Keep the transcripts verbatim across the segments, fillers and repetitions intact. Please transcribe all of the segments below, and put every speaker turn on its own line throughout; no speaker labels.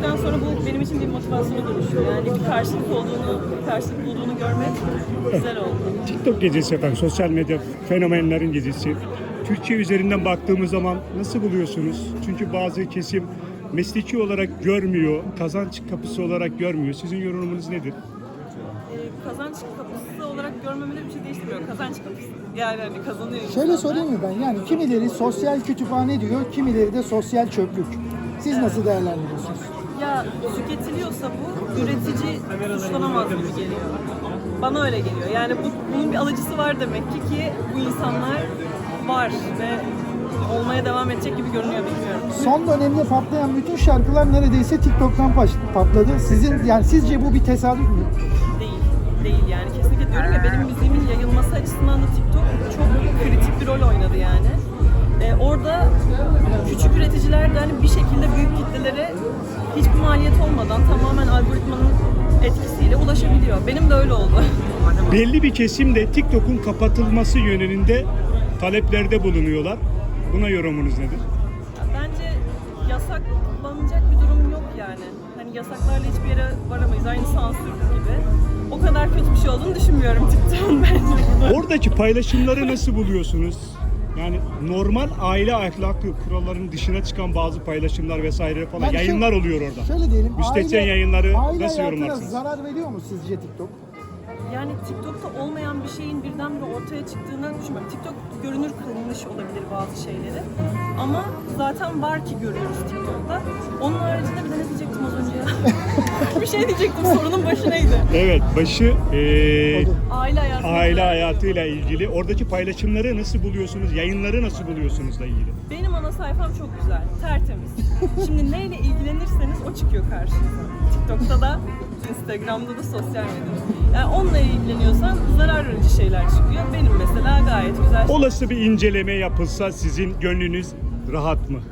bittikten sonra bu benim için bir motivasyona dönüşüyor. Yani bir karşılık olduğunu, bir karşılık bulduğunu görmek güzel oldu.
TikTok gecesi efendim, sosyal medya fenomenlerin gecesi. Türkiye üzerinden baktığımız zaman nasıl buluyorsunuz? Çünkü bazı kesim mesleki olarak görmüyor, kazanç kapısı olarak görmüyor. Sizin yorumunuz nedir?
Ee, kazanç kapısı olarak görmemeleri bir şey değiştirmiyor. Kazanç kapısı. Yani hani kazanıyor
Şöyle
insanlar.
sorayım mı ben? Yani kimileri sosyal kütüphane diyor, kimileri de sosyal çöplük. Siz nasıl değerlendiriyorsunuz?
Ya tüketiliyorsa bu üretici suçlanamaz gibi geliyor. Bana öyle geliyor. Yani bu, bunun bir alıcısı var demek ki ki bu insanlar var ve olmaya devam edecek gibi görünüyor, bilmiyorum.
Son dönemde patlayan bütün şarkılar neredeyse TikTok'tan paş- patladı. Sizin yani sizce bu bir tesadüf mü?
Değil, değil yani. Kesinlikle diyorum ya, benim müziğimin yayılması açısından da TikTok çok kritik bir rol oynadı yani. Ee, orada küçük üreticiler de hani bir şekilde büyük kitlelere hiçbir maliyet olmadan tamamen algoritmanın etkisiyle ulaşabiliyor. Benim de öyle oldu.
Belli bir kesim de TikTok'un kapatılması yönünde taleplerde bulunuyorlar. Buna yorumunuz nedir?
Bence yasaklanacak bir durum yok yani. Hani yasaklarla hiçbir yere varamayız. Aynı sansür gibi. O kadar kötü bir şey olduğunu düşünmüyorum TikTok'un bence burada.
Oradaki paylaşımları nasıl buluyorsunuz? Yani normal aile ahlakı kurallarının dışına çıkan bazı paylaşımlar vesaire falan
Yani
yayınlar
şöyle-
oluyor orada.
Şöyle diyelim.
Müstehcen yayınları
aile
nasıl
hayatına
yorumlarsınız?
zarar veriyor mu sizce TikTok?
Yani TikTok'ta olmayan bir şeyin birdenbire ortaya çıktığını düşünmüyorum. TikTok görünür kılmış olabilir bazı şeyleri. Ama zaten var ki görüyoruz TikTok'ta. Onun haricinde bir de ne diyecektim az önce ya? Bir şey diyecektim, sorunun başı neydi?
Evet, başı eee,
Aile hayatı.
aile hayatıyla ilgili. Oradaki paylaşımları nasıl buluyorsunuz? Yayınları nasıl buluyorsunuzla ilgili?
Benim ana sayfam çok güzel, tertemiz. Şimdi neyle ilgilenirseniz o çıkıyor karşınıza. TikTok'ta da, Instagram'da da, sosyal medyada. Yani onunla ilgileniyorsan zarar verici şeyler çıkıyor. Benim mesela gayet güzel.
Olası bir inceleme yapılsa sizin gönlünüz rahat mı?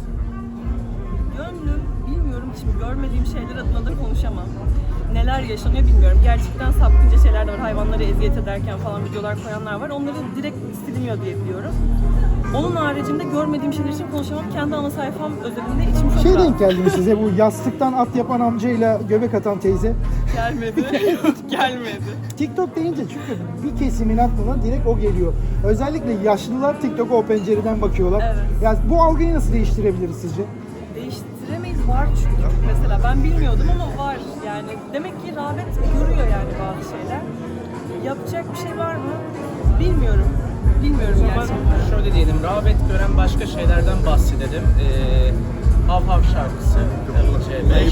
Gönlüm, bilmiyorum, şimdi görmediğim şeyler adına da konuşamam. Neler yaşanıyor bilmiyorum. Gerçekten sapkınca şeyler de var. Hayvanları eziyet ederken falan videolar koyanlar var. Onları direkt siliniyor diye biliyorum. Onun haricinde görmediğim şeyler için konuşamam. Kendi ana sayfam özelinde içim çok
Şey
rahat.
denk geldi mi size bu yastıktan at yapan amcayla göbek atan teyze?
Gelmedi. Gelmedi.
TikTok deyince çünkü bir kesimin aklına direkt o geliyor. Özellikle yaşlılar TikTok'a o pencereden bakıyorlar.
Evet.
Yani bu algıyı nasıl değiştirebiliriz sizce?
Değiştiremeyiz, var çünkü. Mesela ben bilmiyordum ama var. Yani demek ki rağbet görüyor yani bazı şeyler. Yapacak bir şey var mı? Bilmiyorum. Bilmiyorum
O zaman
gerçekten.
şöyle diyelim, rağbet gören başka şeylerden bahsedelim. Ee, Hav Hav şarkısı, Level C beş.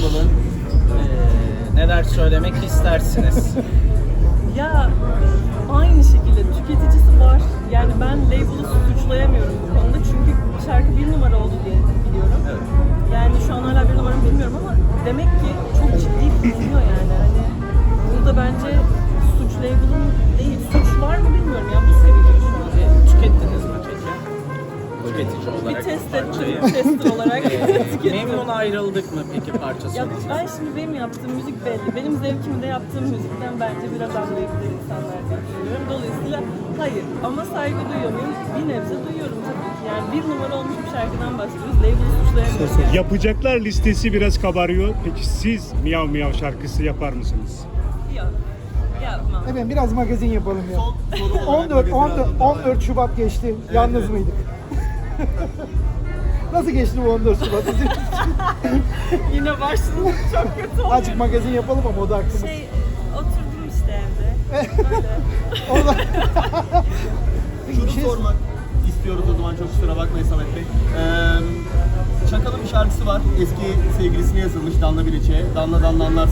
Ee, neler söylemek istersiniz?
Ya aynı şekilde tüketicisi var. Yani ben label'ı suçlayamıyorum bu konuda çünkü şarkı bir numara oldu diye biliyorum.
Evet.
Yani şu an hala bir numara mı bilmiyorum ama demek ki çok ciddi bulunuyor yani. Hani burada bence suç label'ın değil, suç var mı bilmiyorum ya, bu seviyede şu an.
Ee, tükettiniz mi peki? Tüketici
Bir
olarak
test
bu parçayı.
ettim, tester olarak
Ee,
tükettim.
Memnun ayrıldık mı peki parça
Ya
sonucu?
ben şimdi benim yaptığım müzik belli. Benim zevkimi de yaptığım müzikten bence biraz anlayabilir insanlar diye düşünüyorum. Dolayısıyla hayır. Ama saygı duyuyor muyum? Bir nebze duyuyorum tabii ki. Yani bir numara olmuş bir şarkıdan bahsediyoruz. Label'ı suçlayamıyoruz yani.
Yapacaklar listesi biraz kabarıyor. Peki siz Miyav Miyav şarkısı yapar mısınız?
Yok. Yapmam.
Efendim biraz magazin yapalım ya. on dört, on dört, on dört Şubat geçti. Yalnız mıydık? Nasıl geçti bu on dört Şubat? Bizim
Yine başladım. Çok kötü oluyor.
Azıcık magazin yapalım ama o da aklımız.
Şey, oturdum işte evde. Öyle.
Orada...
Şunu
Şey-
sormak istiyoruz o zaman, çok kusura bakmayın Samet Bey. Ee, Çakal'ın bir şarkısı var. Eski sevgilisine yazılmış, Danla Biliç'e. Danla Danla anlarsın